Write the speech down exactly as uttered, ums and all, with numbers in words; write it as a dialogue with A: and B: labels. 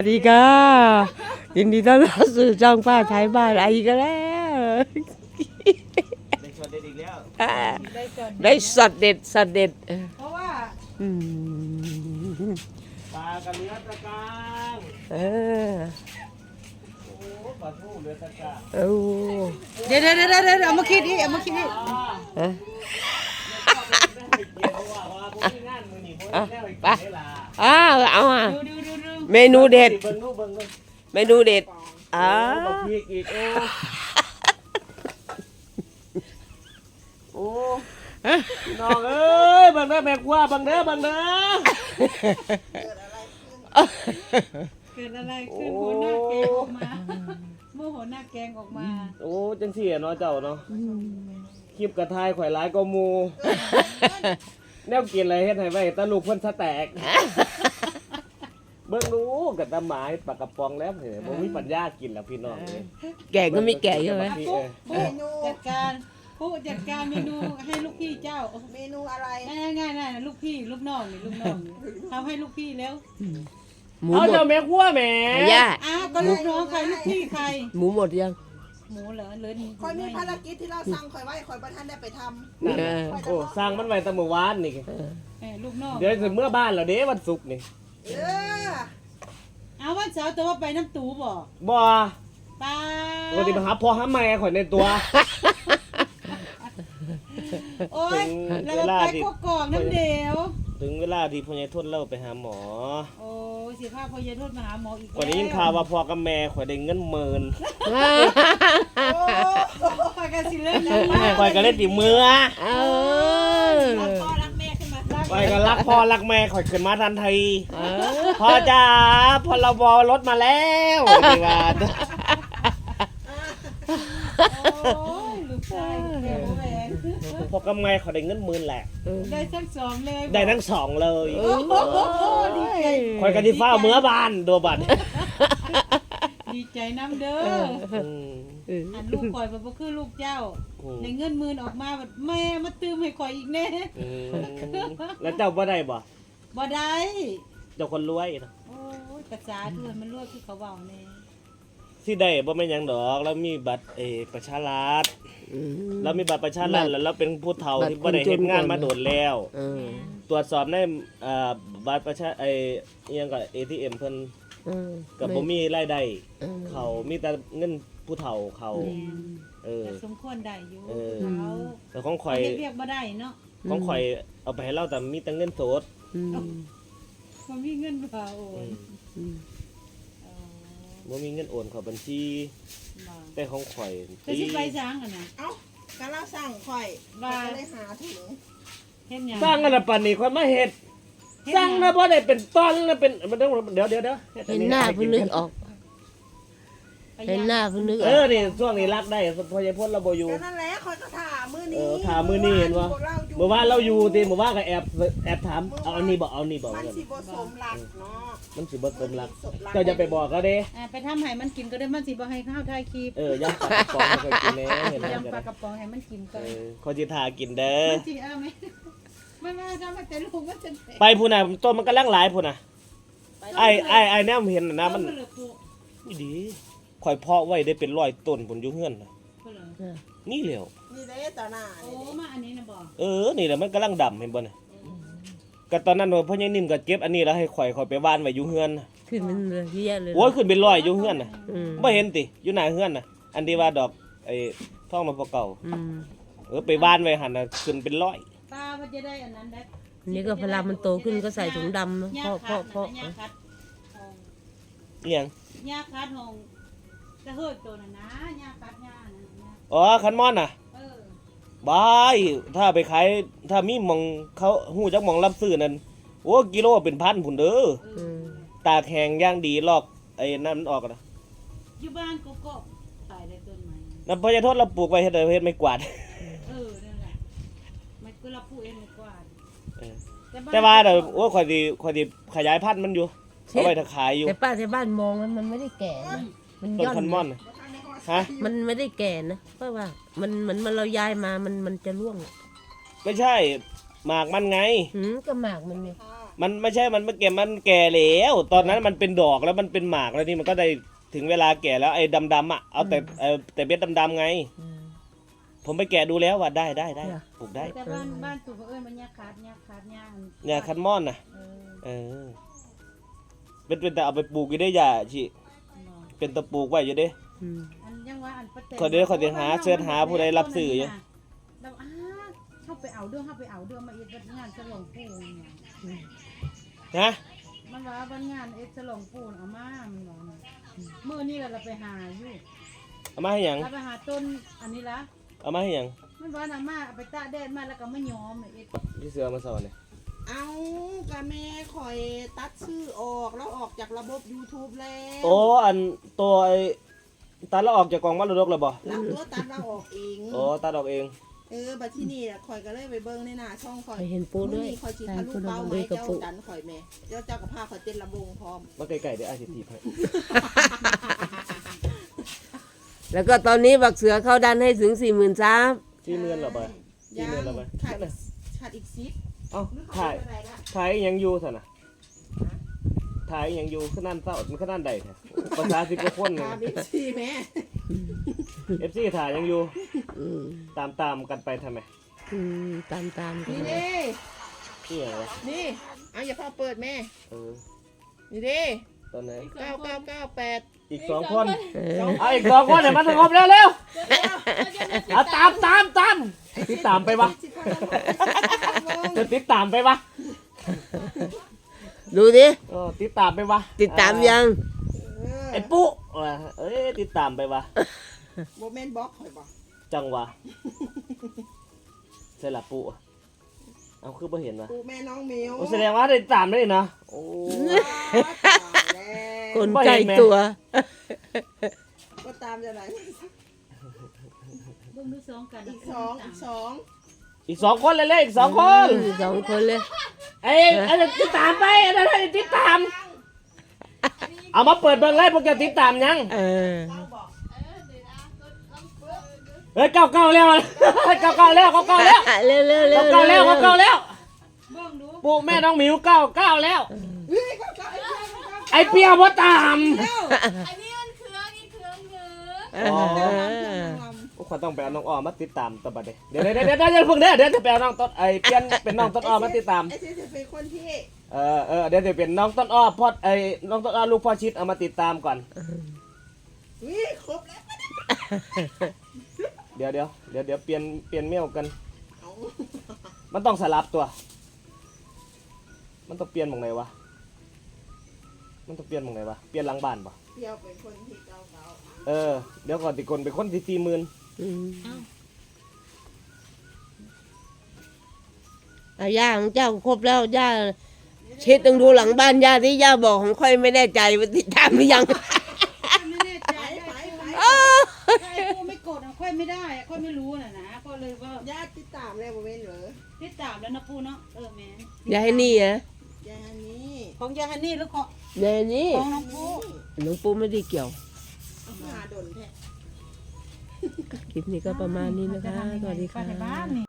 A: ดีค่ะยินดีต้อนรับสู่ช่องป้าไทยบ้านไอ้ก็แล้ว
B: ได้ช็อตเด็ดอีกแล้ว
A: ได้สัตว์เด็ดสัตว์เด็ด
C: เพราะว่า
A: อืม
B: ปลากระเลือตะกาง
A: เออ
B: โอ้ปลาทูเลือตะกาง
A: เออ
C: เดี๋ยวเดี๋ยวเดี๋ยวเดี๋ยวเอามาคิดดิเอามาคิดดิ
A: ฮะ
B: ไป
A: อ้าวเอาอ่ะ
C: ดูดูดูดู
A: เมนูเด็ด
B: เบิ่งดูเบิ่งดู
A: เมนูเด็ดอ้า
B: บักพริกอีกโอ้โอ้น้องเอ้ยเบิ่งเด้อแม่กว่าเบิ่งเด้อเบิ่งเด้อ
C: เกิดอะไรขึ้นหัวหน้าแกงออกมาเมื่อหัวหน้าแกงออกมา
B: โอ้จังซี่เนาะเจ้าเนาะคลิปกระทายข่อยหลายก็หมู่แนวกินอะไรเฮ็ดให้ไว้ตะลูกเพิ่นสแตกเบิ่งดูกับตาหมายปลากระป๋องแล้วเห็นบ่มีปัญญากินแล้วพี่น้องเอ้ย
A: แก่ก็มีแก่ใช่ไหม
C: ปุ๊ปุ๊จัดการปุ๊จัดการเมนูให้ลูกพี่เจ้า
D: เมนูอะไร
C: ง่ายง่ายง่ายลูกพี่ลูกน้องนี่ลูกน้องทำให้ลูกพี่แล้ว
A: หมู
B: เอา
A: หม
B: เจ้า
A: ด
B: แม่ครัวแหม่
A: ย่า
C: อ้าวก็ลูกน้องใครลูกพี่ใคร
A: หมูหมดยัง
C: หมูเหรอเหลือนี่
D: คอยมีภารกิจที่เราสั่งคอยไว้คอยประท่านได้ไปท
B: นั่นน่ะโอ้สร้างมันไว้แตั้งเมื่อวานนี่
A: เออ
C: แหมลูกน้อง
B: เดี๋ยวถึงเมื่อบ้านแล้วเด้วันศุกร์นี่
D: ำเออ
C: เอาวันเสาร์แต่ว่าไปน้ำตูบ่
B: บ่
C: ป้า
B: ปกติมาหาพ่อหาแม่ข่อยในตัว
C: โอ้ย
B: ถึง
C: แล้ว
B: เวลา
C: ไป
B: ที่
C: กกอกน้ำเดียว
B: ถึงเวลาที่พ่อใหญ่ทนเล่าไปหาหมอ
C: โอ้ยสิพาพอยายโทษมาหาหมออีกแล้ว
B: วันนี้ยินข่าวว่าพ่อกับแม่ข่อยได้เงินหมื่น
D: โอ้
C: ไปกันสิเล่นนะ
B: ข่อยก็เล่นติมือ
A: เออ
D: พ่อรักแม่ขึ้นมา
B: ข่อยก็รักพ่อรักแม่ข่อยขึ้นมาทันที
A: เออ
B: พ่อจ๋าพลบรถมาแล้วนี่ว่า
C: โอ้ยลูกชายแกโอแหวน
B: พ่อกับแม่ข่อยได้เงินหมื่นแหละ
C: ได้ทั้งสองเลย
B: ได้ทั้งสองเลย
C: โอ้โหดีใจ
B: ข่อยก็สิฟ้าเมื่อบ้านโดบัด
C: ดีใจน้ำเด้อ
B: อืม
C: อันลูกข่อยบ่คือลูกเจ้าในเงินหมื่นออกมาแบบแม่มาตื้มให้ข่อยอีกแน่
B: อืมแล้วเจ้าบ่ได้บ่
C: บ่ได้
B: เจ้าคนรวยนะ
C: โอ้ยกระจาเถื่อนมันรวยคือเขาเว้าแน่
B: ที่ได้บ่แม่นหยังดอกแล้วมีบัตรเออประชารัฐ
A: อืม
B: แล้วมีบัตรประชารัฐแล้วเราเป็นผู้เฒ่า
A: บัตร
B: ที่บ่ได้เฮ็ดงานมาโดนแล้ว
A: เออ
B: ตรวจสอบในอ่าบัตรประชาไอ้อิหยังก็ เอ ที เอ็ม เพิ่น
A: เออ
B: ก็บ่มีรายได้
A: เออ
B: เขามีแต่เงินผู้เฒ่าเขาเออ
C: แต่สมควรได้อยู่
B: เออ
C: เขา
B: แต่ของข่อย
C: เฮ็ดเรียกบ่ได้เนาะ
B: ของข่อยเอาไปให้เราแต่มีแต่เงินสด
A: อืม
C: มันมีเงินบ่โอ
B: อื
C: น
B: ม
A: อืม
C: เออ
B: บ่มีเงินโอนเข้าบัญชี
C: บ่
B: แต่ของข่อย
C: จะสิไปช้างอ่ะนะ
D: เอ้าการเราสั่งคอย
C: ว่า
D: ก็เลยหาถุง
C: เฮ็ดหยัง
B: สร้างกันละปานนี้ข่อยมาเฮ็ดสร้างนะบ่ได้เป็นตอนนะเป็นมันต้องเดี๋ยวเดี๋ยวเดี๋ยวฮ็ดอั
A: เห็นหน้าเพิ่งนึกออก
C: ไป
A: เห็นหน้าเพิ่งนึกอ
B: เอ
A: อ
B: อก นี่ช่วงนี้รักได้พอใหญ่พ้นเราบ่อยู่
D: ก็นั่นแหละคอยก็ถามมือ
B: เอ
D: นี้
B: อถามมื้อนี้เห็นบ่เมื่อวานเราอยู่ติเมื่อวานก็แอบแอบถามเอาอันนี้บ่เอาอันนี้บ่
D: มัน
B: เงิน
D: สิบสมหลักเนาะ
B: มันสิบ่สมรักเจ้าอย่าไปบอกเขาเด้
C: อ่าไปทำให้มันกินก็ได้มันสิบ่ให้ข้าวทายคลิป
B: เออยำปลากระป๋องให้กินแหน่เห็นไหม
C: ยำปลากระป๋องให้มันกินก่อ
B: เอน อขอจิทากินเด้อ
C: มันสิเอาไหมมันมาทำให้แต่ลูกมันจะ
B: ไปพุ่นน่ะต้นมันกำลังหลายพุ่นน่ะไอ้ไอ้ไอ้แนมเห็นน่ะนะมัน
C: เพิ่เหลือปลูก
B: นี่ดีข่อยเพาะไว้ได้เป็นร้อยต้นพุ่นอยู่เฮือนน่ะ
C: เพิ่นเหลือ
A: เออ
B: นี่แหล้ว
D: นี่เด้ต่อหน้า
C: โอ้
D: นี่
C: มาอันนี้นะบ่
B: เออนี่แหละมันกำลังดำเห็นบ่น่ะก็ตอนนั้นพ่อใหญ่นิ่มก็เก็บอันนี้แล้วให้ข่อยข่อยไปว่านไว้อยู่เฮือนน่ะ
A: ขึ้นมันเลยเยอะแยะเลย
B: โอ้ยขึ้นเป็นร้อยอยู่เฮือนน่ะ
A: อืม
B: บ่เห็นติอยู่หน้าเฮือนน่ะ อันที่ว่าดอกไอ้ท้องนพเก่า
A: อืม
B: เออไปว่านไว้หั่นน่ะขึ้นเป็นร้อย
C: ป้ามันจะได้อันนั้นได้
A: อันนี้ก็พลามันโตขึ้นก็ใส่ถุงดำเนอะเพราะเพราะเพราะ
C: หญ้าคัดหง
B: อีหยัง
C: หญ้าคัดหงจะเฮิดตัวน่ะนะหญ้าคัดหญ้าน่ะหญ้า
B: อ๋อคันมอนน่ะ
C: เออ
B: บายถ้าไปขายถ้ามีหมองเขาหูจักหมองรับซื้อนั่นโอ้กิโลเป็นพันพุ่นเด้อ
C: เอ
A: อื
C: อ
A: ม
B: ตากแห้งอย่างดีลอกไอ้นั่นมันออกนะ
C: อยู่บ้านก็ก็ตายได้ต้นไม้
B: น้ำพญาโทษเราปลูกไว้เฮ็ดอะไรเฮ็ดไม่กวาด
C: เออนั่นแหละมันก็รับผู้เองดีกว่า
B: เออ
C: บ้น
B: แต่ว่าเดี๋ยวโอ้ข่อยสิข่อยสิขยายพันธุ์มันอยู่เอาไว้ถ้าขายอยู่
A: แต่ป้าที่บ้านมองแล้วมันไม่ได้แก่นะมัน
B: ต้น
A: ย่อน
B: คันมอน
A: นะ
B: น่ะฮะ
A: มันไม่ได้แก่นะเพราะว่า มันเหมือนมันเราย้ายมามันมันจะร่วง
B: ไม่ใช่หมากมันไง
A: หืมก็หมากมันเนี่ย
D: ค่ะ
B: มันไม่ใช่มันไม่แก่มันแก่แล้วตอนนั้นมันเป็นดอกแล้วมันเป็นหมากแล้วนี่มันก็ได้ถึงเวลาแก่แล้วไอ้ดำๆอ่ะเอาแต่เอาแต่เบ็ดดำๆไง
A: อืม
B: ผมไปแกะดูแล้วว่าได้ได้ได้
A: เนี่ย
B: ปลูกได้
C: แต่บ้านบ้านตู่เอิ้นมันยาคาดยาคาดยา
B: เนี่ยคันมอนน่ะ
C: เออ
B: เออเป็นเป็นแต่เอาไปปลูกอยู่ได้อย่าชิ
C: เนาะ
B: เป็นตะปลูกไว้อยู่เด้
A: อืม
C: อันยังว่าอันประเต
B: ขอเดี๋ยวขอเดี๋ยวหาเสิร์ชหาผู้ใดรับซื้ออยู่
C: เราอ้าเข้าไปเอาเรื่องเข้าไปเอาเรื่องมาเอ็ดวันงานฉลองปู่เนี่ย
B: ฮะ
C: มันว่าวันงานเอ็ดฉลองปู่เอามามันบอกนะมื้อนี้เราไปหาอยู่
B: เอามาให้หยัง
C: เราไปหาต้นอันนี้ละ
B: เอามาให้หยัง
C: มันว่าน่ะมาเอาไปตากแดดมาแล้วก็ไม่ยอมเอ็ด
B: พี่เสือมาสอนเนี่ย
D: เอากะแม่คอยตัดชื่อออกแล้วออกจากระบบ YouTube แล้ว
B: โอ้อันตัวไอ้ตัดแล้วออกจากกองมรดกแล้วบ่
D: แล้วตัวตัดเราออกเอง
B: โอ้ตัดออกเอง
D: เออบัดที่นี่น่ะคอยก็เลยไปเบิ่งในหน้าช่องคอย
A: ไปเห็นปูด้วย
D: มื้อนี้คอยสิ
A: ใช่
D: ทะลุ
A: ปูด
D: เป้า
A: อง
D: ไว้
A: ด้วยกระ
D: เจ้า
A: ปุก
D: ดันคอยแม่เจ้าเจ้ากับพาคอยเต้นระบงพร้อม
B: มาไกลๆเดี๋ยวอาจจะถีบให้
A: แล้วก็ตอนนี้บักเสือเข้าดันให้ถึงสี่หมื่นซับ
B: ที่เมือนเหรอบ่
D: ยั
B: ที่
D: ง
B: เมือนเหรอบ่
D: ขาดอีกขาดอีกซิป
B: เอ้า
D: หรือ
B: ถ่าย
D: เขอะไรละ
B: ถ่ายยังอยู่สินะถ่ายยังอยู่ขนาดเศร้ามันขนาดใดแท้ภาษาสิบกว่าคนเลย
D: ตามอีกซีแม่
B: เอฟซีถ่ายยังอยู่
A: อืม
B: ตามตามกันไปทำไม
A: อืมตามตามๆกัน
D: นี่
A: เลย
D: เด้
B: นี่อย่างวะ
D: นี่เอาอย่าพอเปิดแม่
B: เออ
D: นี่เด้
B: ตอนไหน
D: เก้าเก้าเก้าแปด
B: อีกสองคน
A: เออ
B: เอาอีกสองคนเดี๋ยวมันสงบเร็วเร็วๆเอาตามตามตามติดตามไปวะ
D: สิบพันละ
B: จะติดตามไปวะ
A: ดูดิ
B: เออติดตามไปวะ
A: ติดตามยัง
D: เออ
B: ไอ้ปุ๊ว่ะเอ้ยติดตามไปวะ
D: โมเมนต์บล็อกคอยบอก
B: จังวะใช่ละปุ๊เอาคือไม่เห็นวะ
D: ปูแม่น้องมิว
B: โอ้แสดงว่าติดตามได้นะโอ้
D: ตายแล้ว
A: คนใกล้ตัว
D: ก็ตามจะไหน
C: เบิ่งดูสองกัน
D: อีกสองอีกสอง
B: อีกสองคนเลยเลยอีกสองคน
A: อืมสองคนเลย
B: ไอ้ไอ้ติดตามไปไอ้นั่นไอ้ติดตาม เอามาเปิดเบิ่งเลยพวกแกติดตามยัง
A: เออ
B: เฮ้ยเก้าเก้าแล้วเก้าเก้าแล้วเก้าเก้าแล้ว
A: เร็วเร็วเร็ว
B: เก้าเก้าแล้วเก้าเก้าแล้ว
C: เบิ่งดู
B: ปู่แม่น้องหมิวเก้าเก้าแล้ว
D: เฮ้ยก็ก็ไอ้เจ้า
B: ไอ้เปียบ่ตาม
E: อันนี้มันเครื่องอีกเครื่องเยอะ
A: เอ
B: อ๋อ
A: อ
B: โอ้ขวัญต้องไปเอาน้องอ้อมมาติดตามต่อไปเดี๋ยวเดี๋ยวเดี๋ยวเดี๋ยวเดี๋ยวเพิ่งเด้อเดี๋ยวจะไปเอาน้องต้นไอ้เปียนเป็นน้องต้นอ้อมมาติดตาม
D: ไอ้เจ๊จะเป็นคนที่
B: เออเออเดี๋ยวจะเป็นน้องต้นอ้อพ่อไอ้น้องต้นอ้อลูกพ่อชิดเอามาติดตามก่อน
D: วิครบแล้ว
B: เดี๋ยวเดี๋ยวเดี๋ยวเดี๋ยวเปลี่ยนเปลี่ยนเมี่ยวกัน
D: เอา
B: มันต้องสลับตัว มันต้องเปลี่ยนหมองไหนวะ มันต้องเปลี่ยนหมองไหนวะ เปลี่ยนหลังบ้านปะ
D: เปียวเป็นคนที่เก่าเก่า
B: เออ เดี๋ยวก่อนติคนเป็นคนที่สี่หมื่น
A: อืมอาย่าของเจ้าครบแล้วย่าเช็ดต้องดูหลังบ้านย่าที่ย่าบอกของค่อยไม่แน่ใจว่าติดตามหรือยัง
C: ไม่แน่ใจ
D: ไปไปไป
C: ถ้าไอ้ปูไม่กดอะค่อยไม่ได้อะค่อยไม่รู้น่ะนะก็เลยว่า
D: ญาติติดตามเลยโมเมนต์เหรอ
C: ติดตามแล้วนะปูเนาะเออแม่น
A: ยายนี่เหรอย
D: ายนี้
C: ของยายฮันนี่หรือของ
A: ยายนี่
C: ของน้องปู
A: หลวงปู่ไม่ได้เกี่ยว
D: เอาหาดนแท้
A: คลิปนี้ก็ประมาณนี้นะคะ สวัสดี
C: ไป
A: ค่ะ
C: ในบ้านนี่